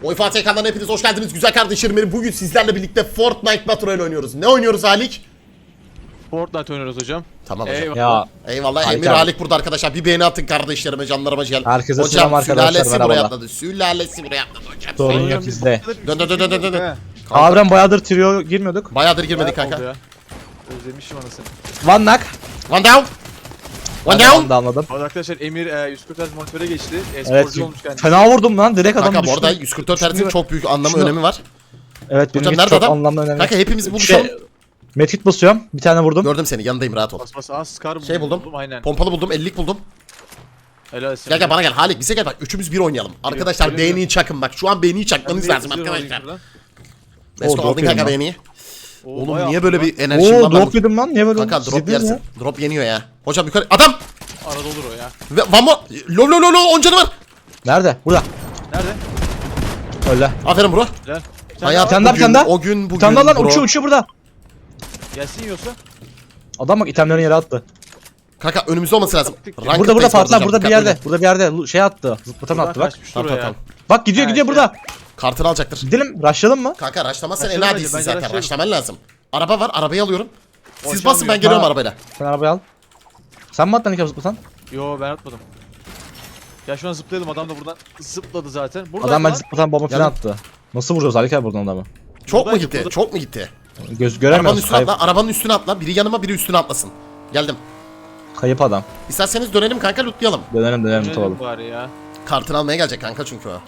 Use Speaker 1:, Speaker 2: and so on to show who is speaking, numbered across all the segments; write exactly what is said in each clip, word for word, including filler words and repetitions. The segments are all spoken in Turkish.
Speaker 1: Oy Fatih kanalına hepiniz hoş geldiniz güzel kardeşlerim benim. Bugün sizlerle birlikte Fortnite Battle Royale oynuyoruz. Ne oynuyoruz Halik?
Speaker 2: Fortnite oynuyoruz hocam.
Speaker 1: Tamam hocam.
Speaker 2: Eyvallah.
Speaker 3: Ya
Speaker 1: Eyvallah.
Speaker 3: Halik
Speaker 1: Emir
Speaker 3: abi.
Speaker 1: Halik burada arkadaşlar. Bir beğeni atın kardeşlerime, canlarıma gel.
Speaker 3: Herkese
Speaker 1: hocam,
Speaker 3: selam arkadaşlar,
Speaker 1: sülalesi buraya
Speaker 3: merhabalar.
Speaker 1: atladı. Sülalesi buraya atladı hocam.
Speaker 3: sorun yok bizde.
Speaker 1: Dön dön dön dön dön dön. Kanka,
Speaker 3: Harbiden bayağıdır trio girmiyorduk.
Speaker 1: bayağıdır girmedik
Speaker 2: Bayağı oldu
Speaker 1: kanka.
Speaker 2: ya. Özlemişim anasını.
Speaker 3: One knock.
Speaker 1: One down. One
Speaker 3: Ben
Speaker 1: down.
Speaker 3: de anladım.
Speaker 2: Bu arada arkadaşlar Emir e, yüz kırk Hz monitöre geçti.
Speaker 3: Evet.
Speaker 2: E-sporcu olmuş kendisi.
Speaker 3: Fena vurdum lan, direkt adam
Speaker 1: Kanka bu
Speaker 3: düştü.
Speaker 1: arada yüz kırk dört Hz'in
Speaker 3: Şunu-
Speaker 1: çok büyük anlamı
Speaker 3: şunu-
Speaker 1: önemi var.
Speaker 3: Evet benim
Speaker 1: Hocam
Speaker 3: için
Speaker 1: nerede
Speaker 3: çok
Speaker 1: adam?
Speaker 3: anlamlı önemli.
Speaker 1: Kanka hepimiz buluşalım.
Speaker 3: Şey, medkit basıyorum. Bir tane vurdum.
Speaker 1: Gördüm seni, yanındayım, rahat ol.
Speaker 2: Bas bas az Scar
Speaker 1: Şey buldum.
Speaker 2: Aynen.
Speaker 1: Pompalı buldum, ellilik buldum.
Speaker 2: Helal olsun.
Speaker 1: Gel gel bana gel Halik, bize gel bak, üçümüz bir oynayalım. Arkadaşlar
Speaker 2: öyle
Speaker 1: beğeniyi
Speaker 2: mi?
Speaker 1: çakın bak, şu an beğeniyi çakmanız lazım arkadaşlar. Mesko
Speaker 3: drop
Speaker 1: aldın
Speaker 3: yedim
Speaker 1: kanka
Speaker 3: lan.
Speaker 1: beğeniyi.
Speaker 2: Oo,
Speaker 1: Oğlum
Speaker 2: bayağı
Speaker 1: niye böyle
Speaker 2: lan.
Speaker 1: bir enerjim
Speaker 3: Oo
Speaker 1: var?
Speaker 3: drop yedim lan, niye böyle
Speaker 1: Kanka
Speaker 3: oldu?
Speaker 1: drop
Speaker 3: Sizde
Speaker 1: yersin.
Speaker 3: ya.
Speaker 1: Drop yeniyor ya. Hocam yukarı. Adam!
Speaker 2: Arada olur o ya.
Speaker 1: Ve vamo! Lo lo lo lo on canı var.
Speaker 3: Nerede? Burada.
Speaker 2: Nerede?
Speaker 3: Öyle.
Speaker 1: Aferin bro.
Speaker 2: Helal. Sen
Speaker 1: Hayat
Speaker 3: Bir tane daha, bir
Speaker 1: bugün,
Speaker 3: tane daha.
Speaker 1: o gün bugün
Speaker 3: Bir tane daha lan,
Speaker 1: bro.
Speaker 3: uçuyor uçuyor burada.
Speaker 2: Gelsin yiyorsa.
Speaker 3: Adam bak itemlerini yere attı.
Speaker 1: Kanka önümüzde olması lazım.
Speaker 2: Burada,
Speaker 3: Burada burada Fatih
Speaker 1: Fatih
Speaker 3: burada bir yerde. Burada bir yerde lu- şey attı. Zıplatan
Speaker 2: Buradan
Speaker 3: attı bak.
Speaker 2: kaçmış
Speaker 1: Tamam
Speaker 2: oraya.
Speaker 1: tamam.
Speaker 3: Bak gidiyor
Speaker 2: Ha,
Speaker 3: gidiyor
Speaker 2: şey.
Speaker 3: burada.
Speaker 1: Kartını alacaktır.
Speaker 3: Gidelim, rushlayalım mı?
Speaker 1: Kanka raşlamazsan en
Speaker 2: Raşlayalım
Speaker 1: adisin
Speaker 2: bence,
Speaker 1: zaten.
Speaker 2: raşlayalım.
Speaker 1: Raşlaman lazım. Araba var, arabayı alıyorum. Siz
Speaker 2: Boş
Speaker 1: basın, ben
Speaker 2: almıyor.
Speaker 1: geliyorum
Speaker 3: Ha.
Speaker 1: arabayla.
Speaker 3: Sen arabayı al. Sen mi attın iki zıplatan?
Speaker 2: Yo ben atmadım. Ya şu an zıplayalım, adam da buradan zıpladı zaten. Burada
Speaker 3: Adam ben
Speaker 2: lan.
Speaker 3: zıplatan bomba falan
Speaker 1: Yanım.
Speaker 3: attı. Nasıl vuracağız Halik abi buradan adamı?
Speaker 1: Çok mu
Speaker 2: Buradaydı,
Speaker 1: gitti?
Speaker 2: burada.
Speaker 1: Çok mu gitti?
Speaker 3: Göz
Speaker 1: Arabanın
Speaker 3: göremiyoruz.
Speaker 1: üstüne
Speaker 3: Kayıp,
Speaker 1: atla, arabanın üstüne atla. Biri yanıma, biri üstüne atlasın. Geldim.
Speaker 3: kayıp adam.
Speaker 1: İsterseniz dönelim kanka, lootlayalım.
Speaker 3: Dönelim dönelim
Speaker 2: Dönelim
Speaker 3: tutalım.
Speaker 2: bari ya.
Speaker 1: Kartını almaya gelecek kanka çünkü o.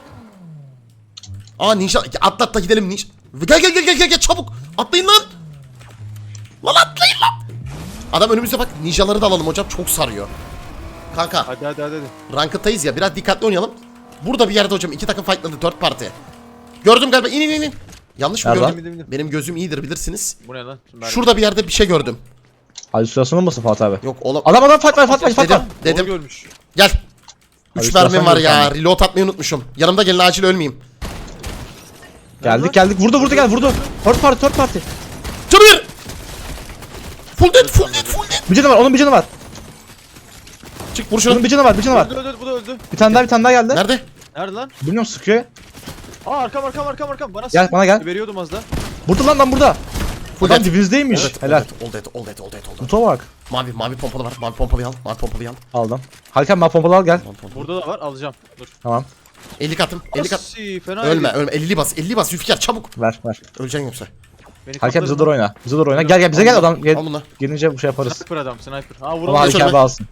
Speaker 1: Aa ninja, atla atla gidelim ninja. Gel gel gel gel gel gel çabuk. Atlayın lan. Lan atlayın lan. Adam önümüzde bak, ninjaları da alalım hocam, çok sarıyor. Kanka
Speaker 2: Hadi hadi hadi. hadi.
Speaker 1: ranked'tayız ya, biraz dikkatli oynayalım. Burada bir yerde hocam iki takım fightladı, dört parti. Gördüm galiba, in in in in. Yanlış mı
Speaker 3: Nereden?
Speaker 1: gördüm?
Speaker 2: İndim, indim.
Speaker 1: Benim gözüm iyidir bilirsiniz.
Speaker 2: Bu ne lan? Mermi.
Speaker 1: Şurada bir yerde bir şey gördüm.
Speaker 3: Halüsinasyon olmasın Fatih abi?
Speaker 1: Yok oğlum.
Speaker 3: Adam adam fight fight fight fight fight.
Speaker 1: Dedim
Speaker 2: Doğru
Speaker 1: dedim.
Speaker 2: görmüş.
Speaker 1: Gel.
Speaker 3: Hadi
Speaker 1: Üç mermim
Speaker 3: istersen
Speaker 1: var ya.
Speaker 3: görsen.
Speaker 1: Reload atmayı unutmuşum. Yanımda gelin, acil ölmeyeyim.
Speaker 3: Geldik geldik. Vurdu vurdu gel vurdu. Third party third party.
Speaker 1: Canı ver. Full dead, full dead, full dead.
Speaker 3: Bir canı var, onun bir canı var.
Speaker 1: Çık vur şunu.
Speaker 3: Onun bir canı var, bir canı var.
Speaker 2: Öldü öldü bu da öldü.
Speaker 3: Bir tane daha bir tane daha geldi.
Speaker 1: Nerede?
Speaker 2: Nerede lan?
Speaker 3: Bilmiyorum, sıkıyor.
Speaker 2: Aa arkam arkam arkam arkam. Bana
Speaker 3: Gel,
Speaker 2: sık-
Speaker 3: bana gel.
Speaker 2: Veriyordum az da.
Speaker 3: Burada lan lan burada.
Speaker 1: Full
Speaker 3: Adam
Speaker 1: dead.
Speaker 3: dibinizdeymiş.
Speaker 1: All dead,
Speaker 3: Helal.
Speaker 1: All dead, all dead, all dead, all dead, all dead.
Speaker 3: Kutu bak.
Speaker 1: Mavi, mavi pompalı var. Mavi pompalıyı al. Mavi pompalıyı al.
Speaker 3: Aldım. Halkan ben pompalı al gel.
Speaker 1: Mavi pompalı.
Speaker 2: Burada da var, alacağım. Dur.
Speaker 3: Tamam.
Speaker 1: elli katım, elli kat.
Speaker 2: Asi, fena
Speaker 1: Ölme,
Speaker 2: yedi.
Speaker 1: ölme. elli bas, elli bas. Zülfikar çabuk.
Speaker 3: Ver ver.
Speaker 1: Öleceksin yoksa.
Speaker 2: Beni
Speaker 3: Halkan bize
Speaker 2: kapladın
Speaker 3: doğru
Speaker 2: lan.
Speaker 3: oyna. Bize doğru oyna. Gel gel bize gel adam. Gel.
Speaker 1: Al bunu.
Speaker 3: Gelince bu şey yaparız.
Speaker 2: Sniper adam, sniper. Aa
Speaker 3: Ama
Speaker 2: vuralım.
Speaker 3: Halkan
Speaker 1: önüme.
Speaker 3: abi alsın.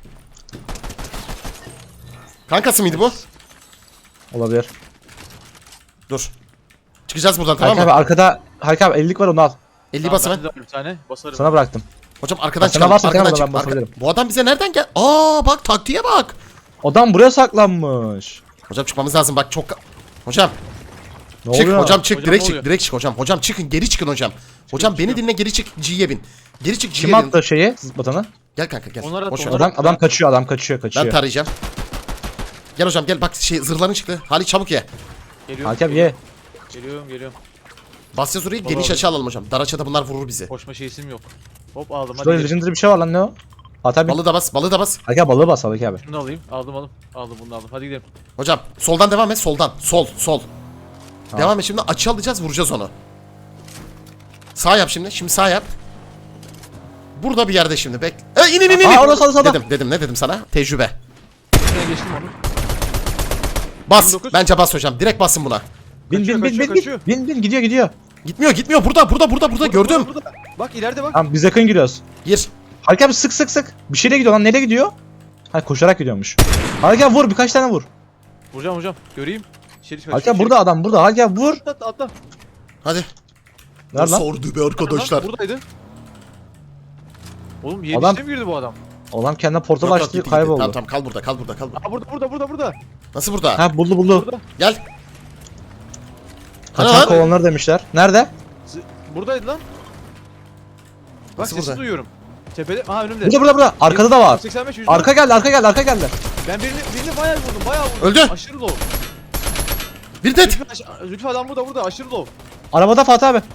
Speaker 1: Kankası mıydı bu?
Speaker 3: Olabilir.
Speaker 1: Dur. Çıkacağız buradan, tamam
Speaker 3: Halkan abi
Speaker 1: mı?
Speaker 3: arkada Halkan abi ellilik var, onu al.
Speaker 1: elli bas hemen.
Speaker 2: Bir tane basarım.
Speaker 3: Sana bıraktım.
Speaker 1: Hocam arkadan
Speaker 3: Bak, sana
Speaker 1: çıkalım.
Speaker 3: varsa
Speaker 1: Arkadan
Speaker 3: kenara
Speaker 1: çık.
Speaker 3: ben
Speaker 1: Arka...
Speaker 3: basabilirim.
Speaker 1: Bu adam bize nereden gel? Aa bak, taktiğe bak.
Speaker 3: Adam buraya saklanmış.
Speaker 1: Hocam çıkmamız lazım bak, çok... Hocam
Speaker 3: Ne
Speaker 1: çık
Speaker 3: oluyor?
Speaker 1: hocam, çık
Speaker 2: Hocam,
Speaker 1: direkt
Speaker 2: ne
Speaker 1: çık
Speaker 2: oluyor?
Speaker 1: direkt çık hocam. Hocam çıkın, geri çıkın hocam. Hocam beni
Speaker 2: çıkıyorum.
Speaker 1: dinle, geri çık, G'ye bin. Geri çık,
Speaker 3: Kim
Speaker 1: G'ye bin.
Speaker 3: attı şeyi? Zıplatanı.
Speaker 1: Gel kanka gel.
Speaker 2: Onlara at,
Speaker 1: Boş ver.
Speaker 2: onlara
Speaker 3: Adam adam kaçıyor, adam kaçıyor,
Speaker 1: Ben
Speaker 3: kaçıyor.
Speaker 1: tarayacağım. Gel hocam gel, bak şey zırhların çıktı. Hali çabuk ye.
Speaker 2: Geliyorum.
Speaker 3: Halkan abi ye.
Speaker 2: Geliyorum geliyorum.
Speaker 1: Basacağız orayı,
Speaker 2: Baba
Speaker 1: geniş
Speaker 2: abi.
Speaker 1: açı alalım hocam. Dar açıda bunlar vurur bizi.
Speaker 2: Koşma şeysim yok. Hop aldım hadi.
Speaker 3: Şurada
Speaker 2: gidelim.
Speaker 3: legendary bir şey var lan, ne o? Fatih abi.
Speaker 1: Balığı da bas, balığı da bas.
Speaker 3: Halkan abi balığı bas Halkan abi.
Speaker 2: Şunu da alayım. Aldım aldım. Aldım bunu da aldım. Hadi gidelim.
Speaker 1: Hocam soldan devam et, soldan. Sol, sol.
Speaker 3: Tamam.
Speaker 1: Devam et şimdi, açı alacağız, vuracağız onu. Sağ yap şimdi, şimdi sağ yap. Burada bir yerde şimdi, bek. E in in in in.
Speaker 3: Aa, orada, sağda, sağda.
Speaker 1: Dedim, dedim, ne dedim sana? Tecrübe.
Speaker 2: Şuraya geçtim onu.
Speaker 1: Bas,
Speaker 2: yirmi dokuz.
Speaker 1: bence bas hocam. Direkt basın buna.
Speaker 3: Bin
Speaker 2: Kaçıyor,
Speaker 3: bin bin
Speaker 2: kaçıyor,
Speaker 3: bin
Speaker 2: kaçıyor.
Speaker 3: bin bin bin gidiyor gidiyor.
Speaker 1: Gitmiyor, gitmiyor. Burada, burada, burada, burada. Gördüm.
Speaker 2: Burada, burada. Bak ileride bak.
Speaker 3: Tamam biz yakın giriyoruz.
Speaker 1: Gir.
Speaker 3: Halkan abi sık sık sık. Bir şeyle gidiyor lan, nereye gidiyor? Ha koşarak gidiyormuş. Halkan abi vur, birkaç tane vur.
Speaker 2: Vuracağım hocam. Göreyim. İçeri kaçıyor.
Speaker 3: Halkan burada adam burada. Halkan abi vur.
Speaker 2: Atla atla.
Speaker 1: Hadi.
Speaker 3: Nerede lan?
Speaker 1: Sordu be arkadaşlar.
Speaker 2: Lan, buradaydı. Oğlum
Speaker 3: Adam-
Speaker 2: yedişte mi girdi bu adam?
Speaker 3: Adam kendine portal
Speaker 1: Yok, yok,
Speaker 3: açtı,
Speaker 1: gitti, gitti.
Speaker 3: kayboldu.
Speaker 1: Tamam tamam, kal burada, kal burada, kal burada.
Speaker 2: Aa burada burada burada burada.
Speaker 1: Nasıl burada?
Speaker 3: Ha buldu buldu.
Speaker 2: Burada.
Speaker 1: Gel. Hani
Speaker 3: Kaçan
Speaker 1: lan?
Speaker 3: kovanlar demişler. Nerede?
Speaker 2: Z- Buradaydı lan. Bak
Speaker 1: Nasıl
Speaker 2: sesi
Speaker 1: burada?
Speaker 2: duyuyorum. Tepede. Aha önümde.
Speaker 3: Burada burada burada. Arkada da var.
Speaker 2: seksen beş yüz.
Speaker 3: Arka geldi, arka geldi, arka geldi.
Speaker 2: Ben birini birini bayağı vurdum. Bayağı vurdum.
Speaker 1: Öldü.
Speaker 2: Aşırı low.
Speaker 1: Bir det.
Speaker 2: Zülfü, aş- Zülfü adam burada burada aşırı low.
Speaker 3: Arabada Fatih abi.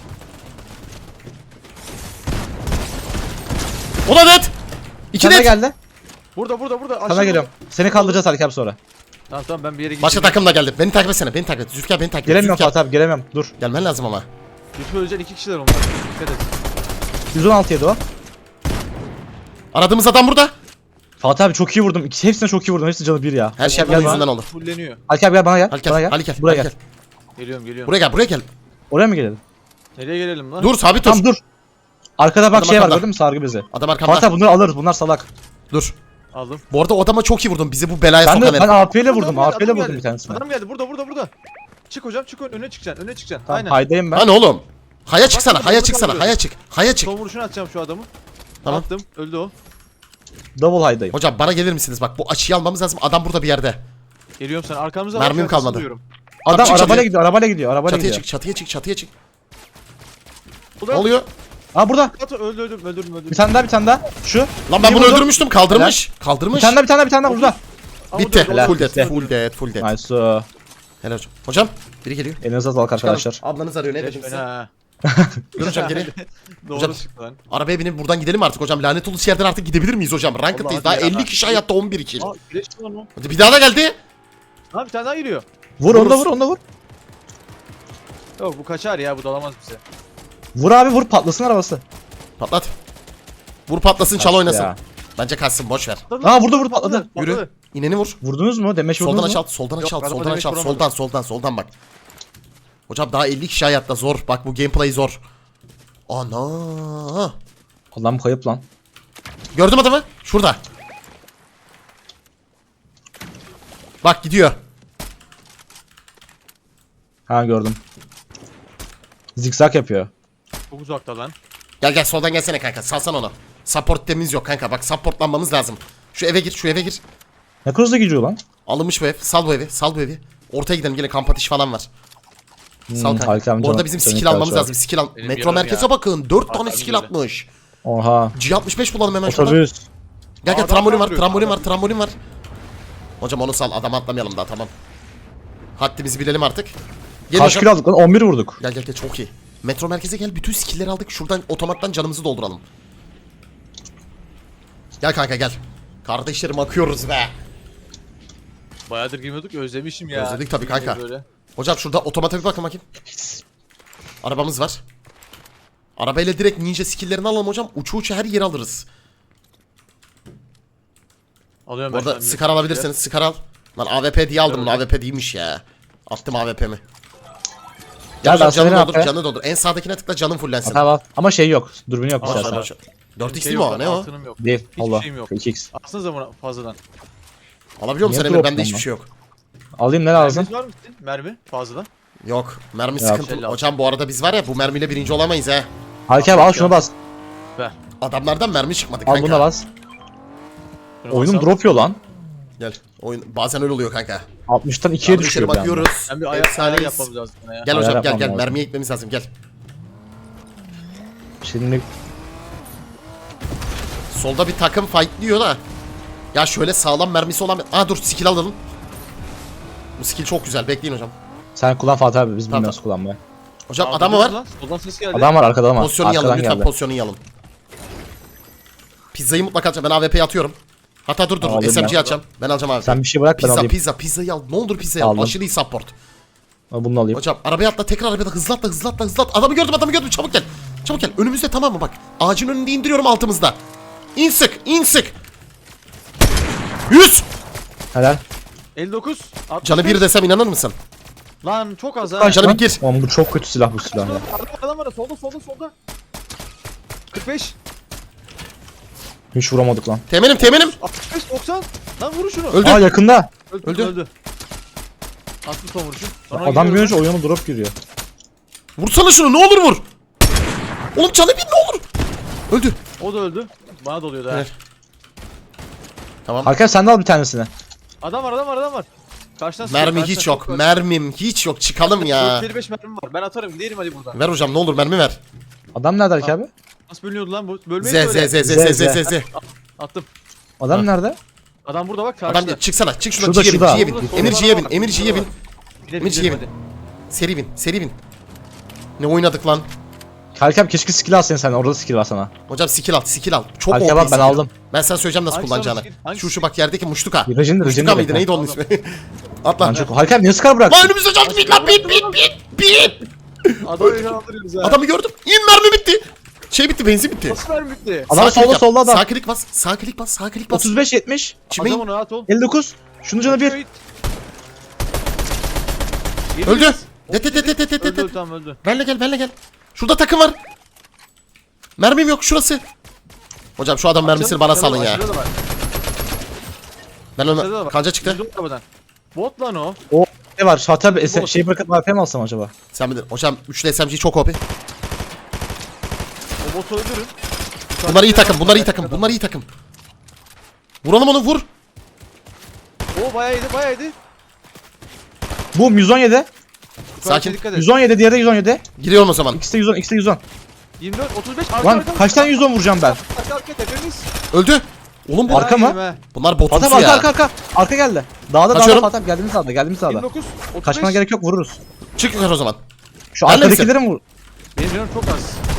Speaker 1: O da det. İki
Speaker 3: Sana
Speaker 1: det.
Speaker 3: geldi.
Speaker 2: Burada burada burada aşırı
Speaker 3: Sana
Speaker 2: low.
Speaker 3: geliyorum. Seni kaldıracağız Haluk abi sonra.
Speaker 2: Tamam tamam ben bir yere gideyim.
Speaker 1: Başka takım da geldi. Beni takip etsene. Beni takip et. Zülfikar beni takip et.
Speaker 3: Gelemiyorum
Speaker 1: Zülfikar.
Speaker 3: Fatih abi gelemiyorum. Dur.
Speaker 1: Gelmen lazım ama.
Speaker 2: Lütfen öleceksin iki kişiler onlar. Dikkat et.
Speaker 3: yüz on altı yedi o.
Speaker 1: Aradığımız adam burada.
Speaker 3: Fatih abi çok iyi vurdum. İkisi hepsine çok iyi vurdum. Hepsi canı bir ya.
Speaker 1: Her şey
Speaker 3: Gel
Speaker 1: benim
Speaker 3: bana.
Speaker 1: yüzümden oldu.
Speaker 2: Fulleniyor.
Speaker 3: Haluk abi gel bana gel.
Speaker 1: Hadi gel.
Speaker 3: Bana gel.
Speaker 1: Hadi gel.
Speaker 3: Buraya
Speaker 1: hadi
Speaker 3: gel.
Speaker 2: Geliyorum geliyorum.
Speaker 1: Buraya gel. Buraya gel.
Speaker 3: Oraya mı gelelim?
Speaker 2: Nereye gelelim lan?
Speaker 1: Dur sabit dur.
Speaker 3: Tamam dur. Arkada bak
Speaker 1: Adam
Speaker 3: şey var
Speaker 1: arkamda.
Speaker 3: gördün mü sargı bezi.
Speaker 1: Adam arkamda.
Speaker 3: Fatih abi bunları alırız. Bunlar salak.
Speaker 1: Dur.
Speaker 2: Aldım.
Speaker 1: Bu arada o adama çok iyi vurdum. Bizi bu belaya
Speaker 3: Ben
Speaker 1: sokan
Speaker 3: de ben
Speaker 1: herif.
Speaker 3: A P ile vurdum.
Speaker 2: Adam
Speaker 3: A P ile
Speaker 2: geldi,
Speaker 3: vurdum
Speaker 2: adam
Speaker 3: bir tanesine.
Speaker 2: Adam geldi burada burada burada. Çık hocam çık ön- öne çıkacaksın öne çıkacaksın.
Speaker 3: Tamam,
Speaker 2: Aynen.
Speaker 3: haydayım ben.
Speaker 1: Hani oğlum? Haya çıksana.
Speaker 2: bak,
Speaker 1: Haya
Speaker 2: bak,
Speaker 1: çıksana.
Speaker 2: bak.
Speaker 1: Haya çık. Haya çık.
Speaker 2: Son vuruşunu atacağım şu adamı.
Speaker 1: Tamam.
Speaker 2: Attım öldü o.
Speaker 3: Double haydayım.
Speaker 1: Hocam bana gelir misiniz? Bak bu açıyı almamız lazım. Adam burada bir yerde.
Speaker 2: Geliyorum sana arkamıza
Speaker 1: Mermim
Speaker 2: bak,
Speaker 1: kalmadı.
Speaker 2: arkasını diyorum.
Speaker 3: Adam
Speaker 1: çık
Speaker 3: arabayla
Speaker 1: çatıya.
Speaker 3: gidiyor. Arabayla gidiyor. Arabayla
Speaker 1: Çatıya
Speaker 3: gidiyor.
Speaker 1: çık. Çatıya çık. Çatıya çık.
Speaker 2: Bu
Speaker 1: Ne
Speaker 2: da
Speaker 1: oluyor?
Speaker 3: Aa burada.
Speaker 2: At, öldü öldüm öldürdüm öldürdüm.
Speaker 3: Bir tane daha bir tane daha. Şu.
Speaker 1: Lan ben
Speaker 3: İyi
Speaker 1: bunu
Speaker 3: vurdum.
Speaker 1: öldürmüştüm. Kaldırmış.
Speaker 3: Bir
Speaker 1: Kaldırmış.
Speaker 3: tane daha bir tane daha bir tane daha burada.
Speaker 2: Ama
Speaker 1: Bitti.
Speaker 2: dur, dur,
Speaker 1: Full
Speaker 2: dur.
Speaker 1: dead.
Speaker 3: Bitti.
Speaker 1: Full dead. Full dead.
Speaker 3: Nice. o.
Speaker 1: Helal hocam. Hocam biri geliyor.
Speaker 3: Elinize sağlık arkadaşlar.
Speaker 1: Ablanız arıyor. Ne
Speaker 2: Leş
Speaker 1: dedim
Speaker 2: beni
Speaker 1: size?
Speaker 2: ha.
Speaker 1: Dur hocam gelin.
Speaker 2: Doğru
Speaker 1: Hocam-
Speaker 2: çıktı lan.
Speaker 1: Arabaya binip buradan gidelim artık hocam. Lanet olası yerden artık gidebilir miyiz hocam? Ranked'dayız.
Speaker 2: Allah
Speaker 1: Daha
Speaker 2: hadi ya.
Speaker 1: elli kişi hayatta on bir kill.
Speaker 2: Aa güneş mi lan o?
Speaker 1: Hadi bir daha da geldi.
Speaker 2: Ha bir tane daha geliyor.
Speaker 3: Vur onu da
Speaker 1: Vururuz.
Speaker 3: vur onu da vur.
Speaker 2: Yok bu kaçar ya bu dalamaz bize.
Speaker 3: Vur abi vur patlasın arabası.
Speaker 1: Patlat. Vur patlasın çal
Speaker 3: Kaçtı
Speaker 1: oynasın.
Speaker 3: ya.
Speaker 1: Bence kaçsın boş ver.
Speaker 3: Aa vurdu vurdu patladı.
Speaker 1: Yürü. İneni vur.
Speaker 3: Vurdunuz mu? Demeç
Speaker 1: Soldan
Speaker 3: vurdunuz
Speaker 1: aç
Speaker 3: mu?
Speaker 1: alt, soldan
Speaker 2: Yok,
Speaker 1: aç alt,
Speaker 2: araba
Speaker 1: soldan
Speaker 2: demek
Speaker 1: aç alt,
Speaker 2: vuramadım.
Speaker 1: soldan, soldan, soldan bak. Hocam daha elli kişi hayatta zor. Bak bu gameplay zor. Ana.
Speaker 3: Adam kayıp lan.
Speaker 1: Gördüm adamı. Şurada. Bak gidiyor.
Speaker 3: Ha gördüm. Zikzak yapıyor.
Speaker 2: Çok uzakta lan.
Speaker 1: Gel gel soldan gelsene kanka. Salsan onu. Support temiz yok kanka. Bak supportlanmamız lazım. Şu eve gir, şu eve gir.
Speaker 3: Ne hızlı gidiyor lan?
Speaker 1: Alınmış bu ev. Sal bu evi, sal bu evi. Ortaya gidelim gene kamp ateşi falan var. Sal
Speaker 3: Hmm,
Speaker 1: kanka.
Speaker 3: Haluk amca
Speaker 1: Bu arada
Speaker 3: bak,
Speaker 1: bizim
Speaker 3: senin
Speaker 1: skill almamız
Speaker 3: karşı var.
Speaker 1: lazım. Skill al.
Speaker 2: Benim
Speaker 1: Metro
Speaker 2: yarım
Speaker 1: merkeze
Speaker 2: ya.
Speaker 1: bakın. dört tane
Speaker 2: Hatta
Speaker 1: skill
Speaker 2: böyle.
Speaker 1: atmış.
Speaker 3: Oha.
Speaker 1: G altmış beş bulalım hemen şuradan.
Speaker 3: Otobüs.
Speaker 1: Gel gel
Speaker 2: Aa,
Speaker 1: trambolin
Speaker 2: adam
Speaker 1: var,
Speaker 2: vuruyor.
Speaker 1: trambolin var,
Speaker 2: Adam-
Speaker 1: trambolin var. Hocam onu sal, adam atlamayalım daha tamam. Haddimizi bilelim artık. Gel
Speaker 3: Kaç
Speaker 1: hocam.
Speaker 3: kilo aldık lan? on bir vurduk.
Speaker 1: Gel gel gel çok iyi. Metro merkeze gel, bütün skill'leri aldık. Şuradan otomattan canımızı dolduralım. Gel kanka gel. Kardeşlerim akıyoruz be.
Speaker 2: Bayağıdır girmiyorduk özlemişim ya.
Speaker 1: Özledik tabii kanka.
Speaker 2: Böyle.
Speaker 1: Hocam şurada otomata bir bakın bakayım. Arabamız var. Arabayla direkt ninja skill'lerini alalım hocam. Uçu uçu her yeri alırız.
Speaker 2: Alıyorum
Speaker 1: Bu
Speaker 2: ben.
Speaker 1: arada
Speaker 2: şu an
Speaker 1: Scar alabilirseniz Scar al. Lan A W P diye aldım.
Speaker 2: Evet.
Speaker 1: A W P değilmiş ya. Attım A W P'mi.
Speaker 3: Gel
Speaker 1: Gel
Speaker 3: ben
Speaker 1: hocam canı
Speaker 3: sana
Speaker 1: doldur,
Speaker 3: ne
Speaker 1: canı doldur. En sağdakine tıkla canın fullensin.
Speaker 3: Tamam. Ama şey yok. Dürbünü yok
Speaker 2: Aa,
Speaker 3: içeride.
Speaker 2: sana-
Speaker 1: dört x
Speaker 2: Şey
Speaker 1: değil mi
Speaker 2: yok
Speaker 1: o?
Speaker 2: lan,
Speaker 1: Ne o?
Speaker 2: altınım yok.
Speaker 3: Değil.
Speaker 2: Hiçbir
Speaker 3: Allah.
Speaker 2: şeyim yok.
Speaker 3: iki x.
Speaker 2: Atsanıza buna fazladan.
Speaker 1: Alabiliyor musun
Speaker 3: Niye
Speaker 1: Emir?
Speaker 3: drop
Speaker 1: Bende
Speaker 3: lan
Speaker 1: hiçbir
Speaker 3: lan?
Speaker 1: şey yok.
Speaker 3: Alayım ne lazım?
Speaker 2: Merminiz var mı sizin? Mermi fazladan.
Speaker 1: Yok. Mermi
Speaker 3: Ya,
Speaker 1: sıkıntı.
Speaker 2: şey
Speaker 1: Hocam bu arada biz var ya bu mermiyle birinci olamayız ha.
Speaker 3: Haluk abi al şunu bas.
Speaker 2: Ver.
Speaker 1: Adamlardan mermi çıkmadı
Speaker 3: Al
Speaker 1: kanka.
Speaker 3: buna bas.
Speaker 2: Şunu
Speaker 3: Oyunum
Speaker 2: basalım.
Speaker 3: drop yiyor lan.
Speaker 1: Gel. Oyun bazen öyle oluyor kanka.
Speaker 3: altmıştan ikiye
Speaker 1: Kardeşlerim
Speaker 3: düşüyor bir anda.
Speaker 1: bakıyoruz.
Speaker 2: Ben bir ayak ayar
Speaker 1: Efsaneyiz.
Speaker 2: yapmamız lazım buna ya.
Speaker 1: Gel
Speaker 3: Ayar
Speaker 1: hocam gel
Speaker 3: yapmam
Speaker 1: gel.
Speaker 3: lazım.
Speaker 1: Mermiye gitmemiz lazım gel.
Speaker 3: Şimdi
Speaker 1: Solda bir takım fightlıyor da. Ya şöyle sağlam mermisi olan... Aa dur skill alalım. Bu skill çok güzel. Bekleyin hocam.
Speaker 3: sen kullan Fatih abi biz
Speaker 1: Tamam,
Speaker 3: bilmiyoruz kullanmayı.
Speaker 1: Hocam
Speaker 2: Aa,
Speaker 1: adamı
Speaker 2: duydunuz
Speaker 1: var.
Speaker 2: lan, soldan ses geldi.
Speaker 3: Adam var arkada ama.
Speaker 1: Pozisyonu yalın.
Speaker 3: Arkadan
Speaker 1: Lütfen
Speaker 3: geldi.
Speaker 1: pozisyonu yalın. Pizzayı mutlaka atacağım. Ben A W P'yi atıyorum. Hatta dur dur.
Speaker 3: Tamam, alayım
Speaker 1: S M G'yi
Speaker 3: ben.
Speaker 1: atacağım. Ben alacağım abi.
Speaker 3: Sen bir şey bırak ben
Speaker 1: Pizza
Speaker 3: alayım.
Speaker 1: pizza pizzayı al. Ne olur pizzayı al.
Speaker 3: Aldım.
Speaker 1: Aşırı iyi support.
Speaker 3: Ben bunu alayım.
Speaker 1: Hocam arabaya atla tekrar arabaya atla. Hızlı atla hızlı atla hızlı atla. Adamı gördüm adamı gördüm. Çabuk gel. Çabuk gel. Önümüzde tamam mı bak. Ağacın önünde indiriyorum altımızda. İn sık in sık. yüz.
Speaker 3: Helal.
Speaker 2: elli dokuz. altmış
Speaker 1: Canı bir
Speaker 2: beş.
Speaker 1: desem inanır mısın?
Speaker 2: Lan çok az ha.
Speaker 1: Lan canı bir gir.
Speaker 3: Oğlum bu çok kötü silah bu silah ya.
Speaker 2: Adam var adam var solda solda solda. kırk beş.
Speaker 3: Hiç vuramadık lan.
Speaker 1: Temenim temenim.
Speaker 2: altmış beş doksan. Lan vurun şunu.
Speaker 1: Öldü.
Speaker 3: Aa yakında.
Speaker 2: Öldü.
Speaker 1: Öldü.
Speaker 2: Öldü. Attım son vuruşu. Sonra
Speaker 3: Adam
Speaker 2: giriyorum
Speaker 3: görünce oyunu drop giriyor.
Speaker 1: Vursana şunu ne olur vur. Oğlum canı bir ne olur. Öldü.
Speaker 2: ben. O da öldü. Bana doluyordu ha.
Speaker 1: Evet. Tamam.
Speaker 3: Hakan sen de al bir tanesini.
Speaker 2: Adam var adam var adam var. Karşıdan sıkıyor,
Speaker 1: Mermi
Speaker 2: karşıdan
Speaker 1: hiç yok.
Speaker 2: sıkıyor.
Speaker 1: Mermim hiç yok. Çıkalım ya.
Speaker 2: dört elli beş mermim var. Ben atarım gidelim hadi buradan.
Speaker 1: Ver hocam ne olur mermi ver.
Speaker 3: Adam nerede Haluk abi?
Speaker 2: Nasıl bölünüyordu lan bu?
Speaker 1: Z
Speaker 2: Bölmeyi
Speaker 1: z
Speaker 2: söyle.
Speaker 1: z z z z z.
Speaker 2: Attım.
Speaker 3: Adam
Speaker 1: Ha.
Speaker 3: nerede?
Speaker 2: Adam burada bak karşıda.
Speaker 1: Adam çıksana. Çık şuradan.
Speaker 3: Şurada,
Speaker 1: C'ye bin.
Speaker 3: şurada.
Speaker 1: C'ye bin.
Speaker 2: Solda,
Speaker 1: Emir
Speaker 2: solda
Speaker 1: C'ye bin.
Speaker 2: var.
Speaker 1: Emir C'ye bin.
Speaker 2: Gidelim,
Speaker 1: Emir
Speaker 2: gidelim
Speaker 1: C'ye bin.
Speaker 2: hadi.
Speaker 1: Seri bin. Seri bin. Ne oynadık lan?
Speaker 3: Haluk abi keşke skill alsaydın sen. Orada skill var sana.
Speaker 1: Hocam skill al. Skill al. Çok
Speaker 3: Haluk
Speaker 1: O P
Speaker 3: abi bak ben
Speaker 1: skill.
Speaker 3: aldım.
Speaker 1: Ben sana söyleyeceğim nasıl
Speaker 2: Hangisi
Speaker 1: kullanacağını.
Speaker 2: almış? Hangisi?
Speaker 1: Şu şu bak yerdeki muştuka.
Speaker 3: Rejin
Speaker 1: Muştuka
Speaker 3: Rejin
Speaker 1: mıydı neydi onun ismi? Atla.
Speaker 3: Lan çok harika niye sıkar bırak?
Speaker 1: Lan önümüzde çaldı bit lan bit bit bit bit.
Speaker 2: Adamı yakalandırıyoruz ha.
Speaker 1: Adamı gördüm. İn mermi bitti. Şey bitti benzin bitti.
Speaker 2: Nasıl vermi bitti?
Speaker 3: Adam
Speaker 1: Sağ klik
Speaker 3: solda
Speaker 1: yap.
Speaker 3: solda adam.
Speaker 1: Sağ klik bas. Sağ klik bas. Sağ klik bas.
Speaker 3: otuz beş yetmiş.
Speaker 1: Çimeyin.
Speaker 2: Adam onu rahat ol.
Speaker 3: elli dokuz. Şunun canı bir.
Speaker 1: Öldü. Det det det det det
Speaker 2: Öldü
Speaker 1: det.
Speaker 2: öldü tamam öldü.
Speaker 1: Benle gel benle gel. Şurada takım var. Mermim yok şurası. Hocam şu adam mermisini bana salın ya.
Speaker 2: Aşağıda da var.
Speaker 1: Ben
Speaker 2: Aşağıda da
Speaker 1: onu
Speaker 2: var.
Speaker 1: kanca çıktı.
Speaker 2: Yüzdüm arabadan. Bot lan o.
Speaker 3: O ne var? Fatih abi
Speaker 2: Bu-
Speaker 3: şey bırakıp A P mi alsam acaba?
Speaker 1: Sen bilir. Hocam üçlü S M G çok O P.
Speaker 2: O botu öldürün.
Speaker 1: Bunlar iyi takım. Bunlar iyi takım. Bunlar iyi takım. Vuralım onu vur.
Speaker 2: O bayağı iyiydi bayağı iyiydi.
Speaker 3: Bu yüz on yedi.
Speaker 1: Sakin.
Speaker 2: Dikkat et.
Speaker 3: yüz on yedi diğeri de yüz on yedi.
Speaker 1: Giriyorum o zaman.
Speaker 3: İkisi de yüz on, ikisi de yüz on.
Speaker 2: yirmi dört otuz beş arka
Speaker 3: Lan
Speaker 2: arka.
Speaker 3: kaç tane yüz on vuracağım ben?
Speaker 2: Arka arka tepemiz.
Speaker 1: Öldü. Oğlum bu
Speaker 3: Arka mı?
Speaker 2: Yedim ha.
Speaker 1: bunlar
Speaker 3: Fatih
Speaker 1: botumsu
Speaker 3: abi arka
Speaker 1: ya.
Speaker 3: arka arka. Arka geldi. Dağda dağda
Speaker 1: Kaçıyorum.
Speaker 3: Fatih abi geldiğimiz sağda geldiğimiz sağda.
Speaker 2: yirmi dokuz otuz beş.
Speaker 3: Kaçmana gerek yok vururuz.
Speaker 1: Çık yukarı o zaman.
Speaker 3: Şu
Speaker 1: Benle
Speaker 3: arkadakileri mi vur?
Speaker 2: Benim canım çok az.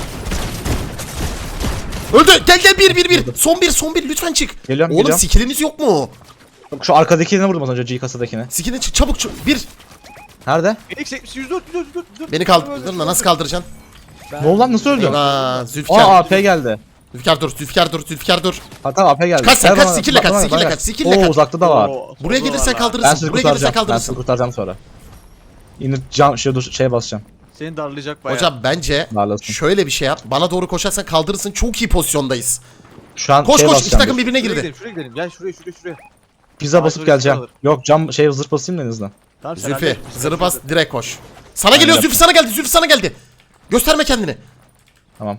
Speaker 1: Öldü. Gel gel bir bir bir. Son bir son bir lütfen çık.
Speaker 3: Geliyorum,
Speaker 1: Oğlum
Speaker 3: geliyorum.
Speaker 1: skilliniz yok mu?
Speaker 3: Şu arkadakilerini vurdum az önce G kasadakine.
Speaker 1: Skillini çık çabuk çık. Bir.
Speaker 3: Nerede?
Speaker 2: Phoenix yetmiş yüz dört yüz dört yüz dört yüz dört.
Speaker 1: Beni kaldır da nasıl kaldıracaksın?
Speaker 3: Ne oldu lan nasıl öldü?
Speaker 1: Aa
Speaker 3: Aa
Speaker 1: Zülfikar.
Speaker 3: A P geldi.
Speaker 1: Zülfikar dur. Zülfikar dur. Zülfikar dur.
Speaker 3: Hatta A P geldi.
Speaker 1: Kaç sen,
Speaker 3: Ver
Speaker 1: kaç,
Speaker 3: bana,
Speaker 1: skill'le
Speaker 3: bana,
Speaker 1: kaç,
Speaker 3: bana,
Speaker 1: skill'le
Speaker 3: bana.
Speaker 1: kaç, skill'le
Speaker 3: Oo
Speaker 1: kaç.
Speaker 3: uzakta da var.
Speaker 2: Oo,
Speaker 1: Buraya
Speaker 2: solda
Speaker 1: gelirsen
Speaker 2: var lan.
Speaker 3: Ben
Speaker 1: kaldırırsın.
Speaker 3: sizi
Speaker 1: Buraya gelirsen
Speaker 3: kurtaracağım. Ben sizi
Speaker 1: kaldırırsın.
Speaker 3: kurtaracağım sonra. İnip cam şey dur şeye basacağım.
Speaker 2: Seni darlayacak bayağı.
Speaker 1: Hocam bence
Speaker 3: Darlasın.
Speaker 1: şöyle bir şey yap. Bana doğru koşarsan kaldırırsın. Çok iyi pozisyondayız.
Speaker 3: Şu an
Speaker 1: Koş
Speaker 3: şeye
Speaker 1: koş. İki
Speaker 3: basacağım.
Speaker 1: takım birbirine
Speaker 2: Şuraya
Speaker 1: girdi.
Speaker 2: gidelim şuraya gidelim. Gel şuraya şuraya şuraya.
Speaker 3: Pizza
Speaker 2: Aa,
Speaker 3: basıp
Speaker 2: şöyle
Speaker 3: geleceğim.
Speaker 2: alır.
Speaker 3: Yok cam şey zırh basayım da en azından.
Speaker 2: Tamam, sen
Speaker 1: Zülfü.
Speaker 2: hallet.
Speaker 1: Zırı bas direkt koş. Sana geliyor
Speaker 3: Aynen.
Speaker 1: Zülfü sana geldi. Zülfü sana geldi. Gösterme kendini.
Speaker 3: Tamam.